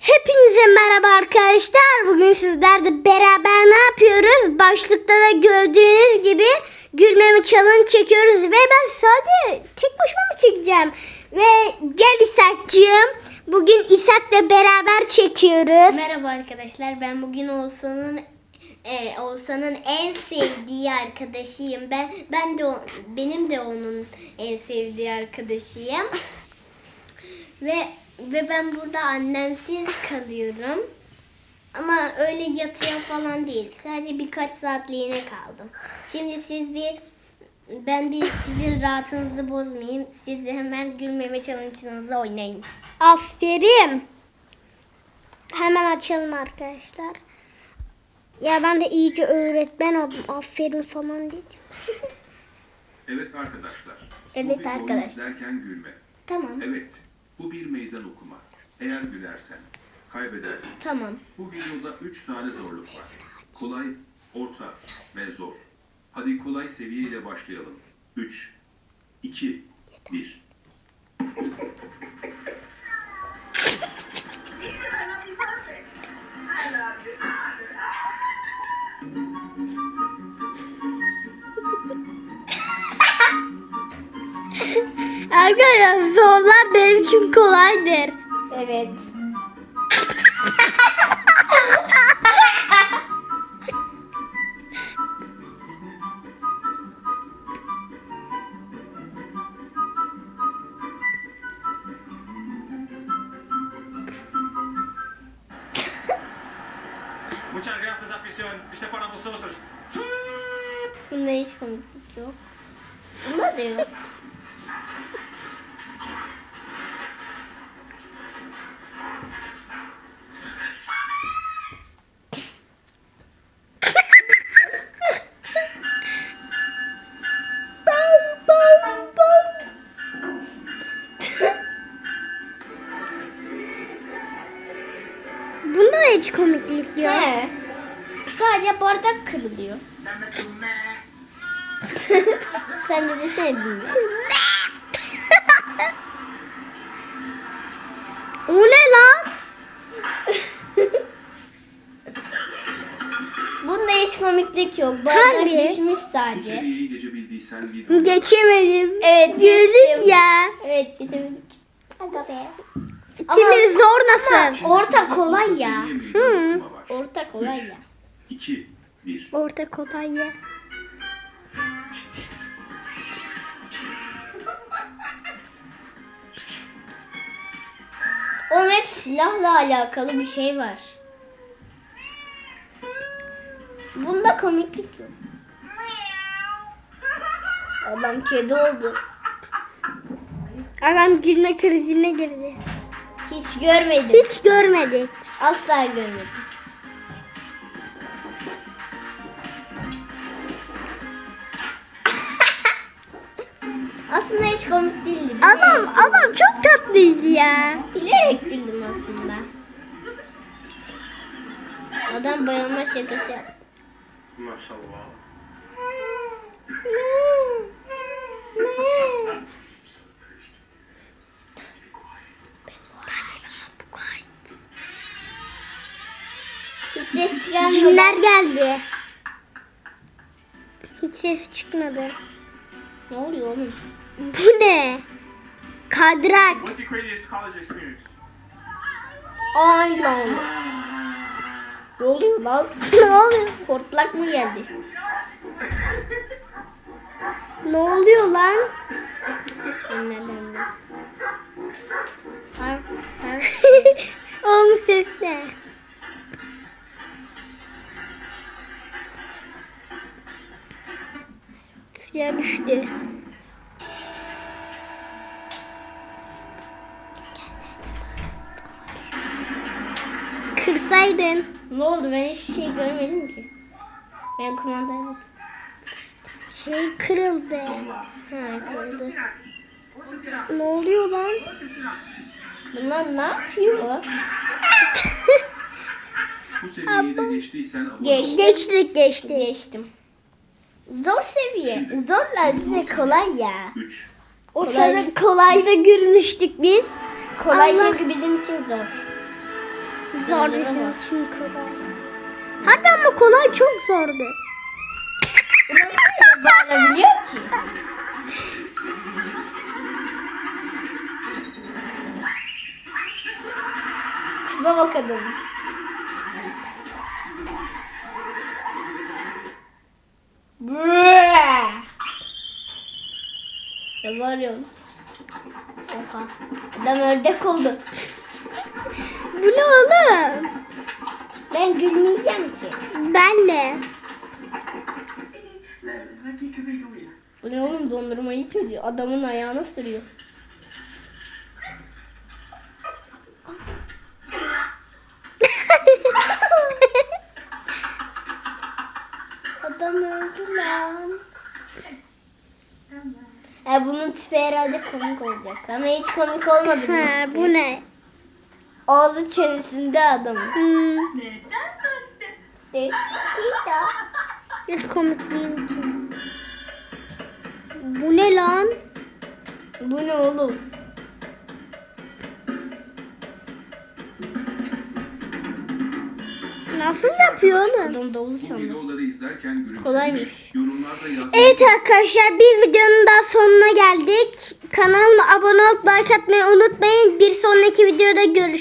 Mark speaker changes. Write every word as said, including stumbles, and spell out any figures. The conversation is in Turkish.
Speaker 1: Hepinize merhaba arkadaşlar. Bugün sizlerle beraber ne yapıyoruz? Başlıkta da gördüğünüz gibi gülmeme challenge çekiyoruz ve ben sadece tek başıma mı çekeceğim? Ve gel İshak'cığım. Bugün İshak'la beraber çekiyoruz.
Speaker 2: Merhaba arkadaşlar. Ben bugün Oğuzhan'ın e, Oğuzhan'ın en sevdiği arkadaşıyım. Ben ben de o, benim de onun en sevdiği arkadaşıyım. Ve ve ben burada annemsiz kalıyorum. Ama öyle yatıya falan değil. Sadece birkaç saatliğine kaldım. Şimdi siz bir ben bir sizin rahatınızı bozmayayım. Siz de hemen gülmeme challenge'ınızı oynayın.
Speaker 1: Aferin. Hemen açalım arkadaşlar. Ya ben de iyice öğretmen oldum. Aferin falan diyeceğim.
Speaker 3: Evet arkadaşlar.
Speaker 2: Evet
Speaker 3: bu bir oyun
Speaker 2: arkadaş.
Speaker 3: izlerken gülme.
Speaker 2: Tamam.
Speaker 3: Evet. Bu bir meydan okuma. Eğer gülersen kaybedersin.
Speaker 2: Tamam.
Speaker 3: Bu videoda üç tane zorluk var. Kolay, orta ve zor. Hadi kolay seviyeyle başlayalım. üç, iki, bir.
Speaker 1: Arkadaşlar zorlar benim için kolaydır.
Speaker 2: Evet.
Speaker 4: Muchas gracias, afición. Este para vosotros.
Speaker 2: Bunda hiç komiklik yok. Bunda da yok.
Speaker 1: Bunda da hiç komiklik yok.
Speaker 2: He. Sadece bardak kırılıyor. Sen de desene bilmiyorum.
Speaker 1: O ne lan?
Speaker 2: Bunda hiç komiklik yok. Bardak
Speaker 1: Harbi.
Speaker 2: düşmüş
Speaker 3: Bu
Speaker 2: sadece.
Speaker 3: seviyeyi geçebildiysen video.
Speaker 1: Geçemedim.
Speaker 2: Evet,
Speaker 1: Gözlük
Speaker 2: geçtim.
Speaker 1: ya.
Speaker 2: Evet geçemedik. Aga be.
Speaker 1: Şimdi zor nasıl?
Speaker 3: Şimdi
Speaker 2: Orta
Speaker 3: sırada
Speaker 2: kolay
Speaker 3: orta
Speaker 2: ya.
Speaker 3: seviye meydan
Speaker 1: Hı.
Speaker 3: okuma var.
Speaker 2: Orta kolay ya.
Speaker 3: iki, bir.
Speaker 1: Orta kolay ya.
Speaker 2: Oğlum hep silahla alakalı bir şey var. Bunda komiklik yok. Adam kedi oldu.
Speaker 1: Adam gülme krizine girdi.
Speaker 2: Hiç görmedim.
Speaker 1: Hiç görmedik.
Speaker 2: Asla görmedim. Aslında hiç komik değildi.
Speaker 1: Adam
Speaker 2: Bilerek,
Speaker 1: adam çok tatlıydı ya.
Speaker 2: bilerek güldüm aslında. Adam bayılma şakası yaptı.
Speaker 4: Maşallah.
Speaker 2: Hiç ses gelmedi.
Speaker 1: Cinler geldi. Hiç ses çıkmadı.
Speaker 2: Ne oluyor oğlum?
Speaker 1: Bu ne? Kadrak.
Speaker 4: What's your craziest college experience?
Speaker 2: Ay lan. Ne oluyor lan?
Speaker 1: Ne oluyor?
Speaker 2: Hortlak mı geldi?
Speaker 1: Ne oluyor lan?
Speaker 2: Nereden de? Har, har.
Speaker 1: Oğlum ses ne? Suya düştü. Kırsaydın.
Speaker 2: Ne oldu? Ben hiçbir şey görmedim ki. Ben kumandaya bak.
Speaker 1: Şey kırıldı.
Speaker 2: Ha kırıldı.
Speaker 1: Ne oluyor lan?
Speaker 2: Bunlar ne yapıyor?
Speaker 3: Bu seviyeyi de geçtiysen abone ol.
Speaker 2: Geçti.
Speaker 1: Geçtik geçti.
Speaker 2: Geçtim. Zor seviye. Zorlar bize kolay ya.
Speaker 3: üç,
Speaker 1: O
Speaker 2: Kolay.
Speaker 1: sırada kolayda görünüştük biz.
Speaker 2: Kolay
Speaker 1: Allah.
Speaker 2: çünkü bizim için zor.
Speaker 1: Zor
Speaker 2: Gözlere
Speaker 1: bizim
Speaker 2: bak.
Speaker 1: için kolay. Harbi ama kolay çok zordu.
Speaker 2: Bağırabiliyor ki. Tipe bak adamın. Brrrr. Ne bağırıyorsun? Oha. Adam ördek oldu.
Speaker 1: Bu ne oğlum?
Speaker 2: Ben gülmeyeceğim ki.
Speaker 1: Ben de.
Speaker 2: Bu ne oğlum, dondurmayı çözüyor. Adamın ayağına sürüyor. Adam öldü lan. E bunun tipi herhalde komik olacak. Ama hiç komik olmadı bunun
Speaker 1: Ha,
Speaker 2: tipi.
Speaker 1: bu ne?
Speaker 2: Ağzı çenesinde adamın.
Speaker 1: Hmm,
Speaker 2: Evet.
Speaker 1: hiç komik değil ki. Bu ne lan?
Speaker 2: Bu ne oğlum?
Speaker 1: Nasıl yapıyor oğlum?
Speaker 2: Adam davul çaldı.
Speaker 3: Videoları izlerken gülümsemiş.
Speaker 2: Kolaymış.
Speaker 3: Yorumlarda yazmayı
Speaker 1: Evet arkadaşlar, bir videonun daha sonuna geldik. Kanalıma abone olup like atmayı unutmayın. Bir sonraki videoda görüşürüz.